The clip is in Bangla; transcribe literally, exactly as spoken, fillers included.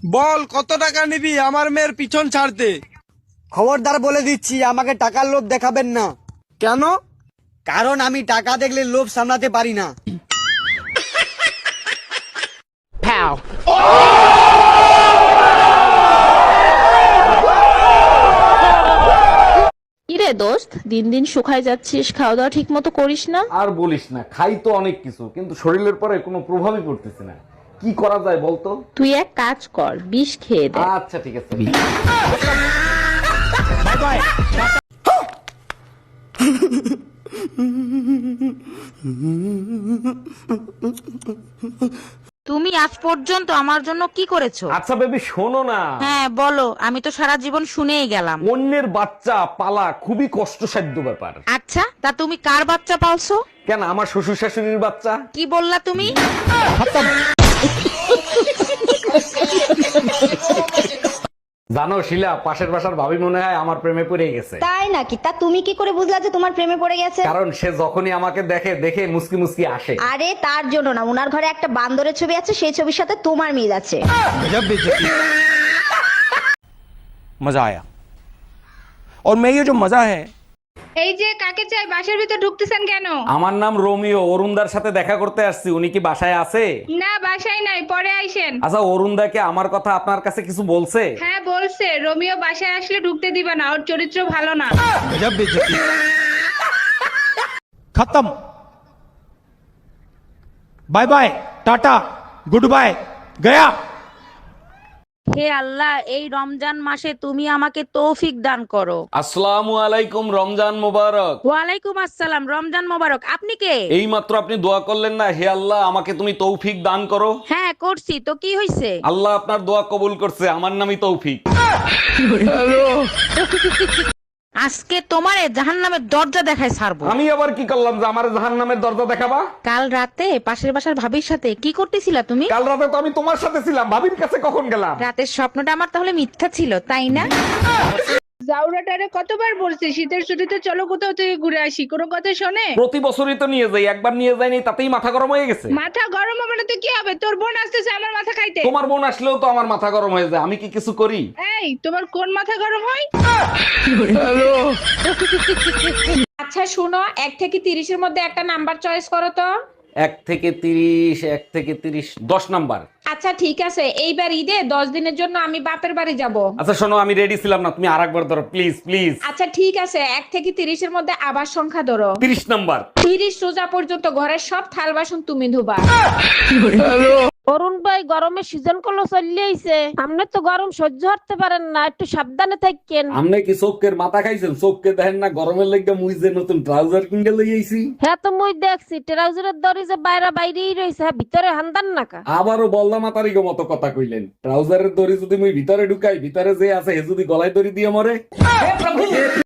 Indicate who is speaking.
Speaker 1: বল কত টাকা নিবি আমার মেয়ের পিছন ছাড়তে?
Speaker 2: খবরদার বলে দিচ্ছি, আমাকে টাকার লোভ দেখাবেন না।
Speaker 1: কেন?
Speaker 2: কারণ আমি টাকা দেখলে লোভ সামলাতে পারি না।
Speaker 3: কিরে দোস্ত, দিন দিন শুকায় যাচ্ছিস, খাওয়া দাওয়া ঠিক মতো করিস না।
Speaker 4: আর বলিস না, খাই তো অনেক কিছু কিন্তু শরীরের পরে কোনো প্রভাবই পড়তেছে না। কি করা যায় বলতো?
Speaker 3: তুই এক কাজ কর, বিষ খেয়ে দে।
Speaker 4: আচ্ছা ঠিক আছে।
Speaker 5: তুমি আজ পর্যন্ত আমার জন্য কি করেছো?
Speaker 4: আচ্ছা বেবি শোনো না,
Speaker 5: হ্যাঁ বলো, আমি তো সারা জীবন শুনেই গেলাম।
Speaker 4: অন্যের বাচ্চা পালা খুবই কষ্টসাধ্য ব্যাপার।
Speaker 5: আচ্ছা, তা তুমি কার বাচ্চা পালছো?
Speaker 4: কেন, আমার শ্বশুর শাশুড়ির বাচ্চা।
Speaker 5: কি বললা তুমি?
Speaker 4: জানো শিলা, পাশের বাসার ভাবি মনে হয় আমার প্রেমে পড়ে গেছে।
Speaker 6: তাই নাকি? তা তুমি কি করে বুঝলা যে তোমার প্রেমে পড়ে গেছে?
Speaker 4: কারণ সে যখনই আমাকে দেখে দেখে মুসকি মুসকি আসে।
Speaker 6: আরে তার জন্য না, উনার ঘরে একটা বান্দরের ছবি আছে, সেই ছবির সাথে তোমার মিল আছে।
Speaker 1: मजा आया और मैं ये जो मजा है।
Speaker 7: এই যে কাকে চাই, বাসার ভিতর ঢুকতেছেন কেন?
Speaker 4: আমার নাম রোমিও, অরুণদার সাথে দেখা করতে আসছি। উনি কি বাসায় আছে?
Speaker 7: না, বাসায় নাই, পরে আইসেন।
Speaker 4: আচ্ছা, অরুণদাকে আমার কথা আপনার কাছে কিছু বলছে?
Speaker 7: হ্যাঁ বলছে, রোমিও বাসায় আসলে ঢুকতে দিবা না, ওর চরিত্র ভালো না।
Speaker 1: खत्म। Bye bye, tata, goodbye, गया।
Speaker 5: হে আল্লাহ, এই রমজান মাসে তুমি আমাকে তৌফিক দান করো।
Speaker 4: আসসালামু আলাইকুম, রমজান মোবারক।
Speaker 5: ওয়ালাইকুম আসসালাম, রমজান মোবারক। আপনি কে?
Speaker 4: এই মাত্র আপনি দোয়া করলেন না, হে আল্লাহ আমাকে তুমি তৌফিক দান করো।
Speaker 5: হ্যাঁ করছি তো, কি হইছে?
Speaker 4: আল্লাহ আপনার দোয়া কবুল করছে, আমার নামই তৌফিক।
Speaker 5: আজকে তোমারে জাহান্নামের দরজা দেখায় ছাড়বো।
Speaker 4: আমি আবার কি করলাম যে আমার জাহান্নামের দরজা দেখাবা?
Speaker 5: কাল রাতে পাশের বাসার ভাবির সাথে কি করতেছিলা তুমি?
Speaker 4: কাল রাতে তো আমি তোমার সাথে ছিলাম, ভাবির কাছে কখন গেলাম?
Speaker 5: রাতের স্বপ্নটা আমার তাহলে মিথ্যা ছিল, তাই না?
Speaker 7: জাউরাটারে কতবার বলছি শীতের ছুটিতে চলো কোথাও থেকে ঘুরে আসি, কোনো কথা শোনে?
Speaker 4: প্রতি বছরই তো নিয়ে যাই, একবার নিয়ে যাইনি তাতেই মাথা গরম হয়ে গেছে।
Speaker 7: মাথা গরম হবে না তো কি হবে? তোর বোন আসতেছে আমার মাথা খাইতে।
Speaker 4: তোমার বোন আসলেও তো আমার মাথা গরম হয়ে যায়, আমি কি কিছু করি?
Speaker 7: এই, তোমার কোন মাথা গরম হয়?
Speaker 8: আচ্ছা শুনো, এক থেকে তিরিশের মধ্যে একটা নাম্বার চয়েস করো তো।
Speaker 4: এক থেকে তিরিশ, এক থেকে তিরিশ, দশ নাম্বার।
Speaker 8: আচ্ছা ঠিক আছে, এইবার ঈদে দশ দিনের জন্য আমি বাপের বাড়ি যাব।
Speaker 4: আচ্ছা শোনো, আমি রেডি ছিলাম না, তুমি আরেকবার ধরো প্লিজ প্লিজ।
Speaker 8: আচ্ছা ঠিক আছে, এক থেকে তিরিশের মধ্যে আবার সংখ্যা ধরো।
Speaker 4: তিরিশ নাম্বার।
Speaker 8: তিরিশ রোজা পর্যন্ত ঘরের সব থাল বাসন তুমি ধুবা।
Speaker 3: অরুণ ভাই, গরমে সিজন কলো চলে আইছে, আপনি তো গরম সহ্য করতে পারেন না, একটু সাবধানে থাকেন।
Speaker 4: আমনে কি চোখের মাথা খাইছেন? চোখকে দেখেন না গরমের লেগে মুই যে নতুন ট্রাউজার কিনে লই আইছি।
Speaker 3: হ্যাঁ তো মুই দেখছি ট্রাউজারের দড়ি যে বাইরে বাইরেই রয়েছে, হ্যাঁ ভিতরে হান্দান নাকা।
Speaker 4: আবারও বললা মাতারি গো মতো কথা কইলেন। ট্রাউজারের দড়ি যদি মুই ভিতরে ঢুকাই, ভিতরে যে আছে হে যদি গলায় দড়ি দিয়ে মরে।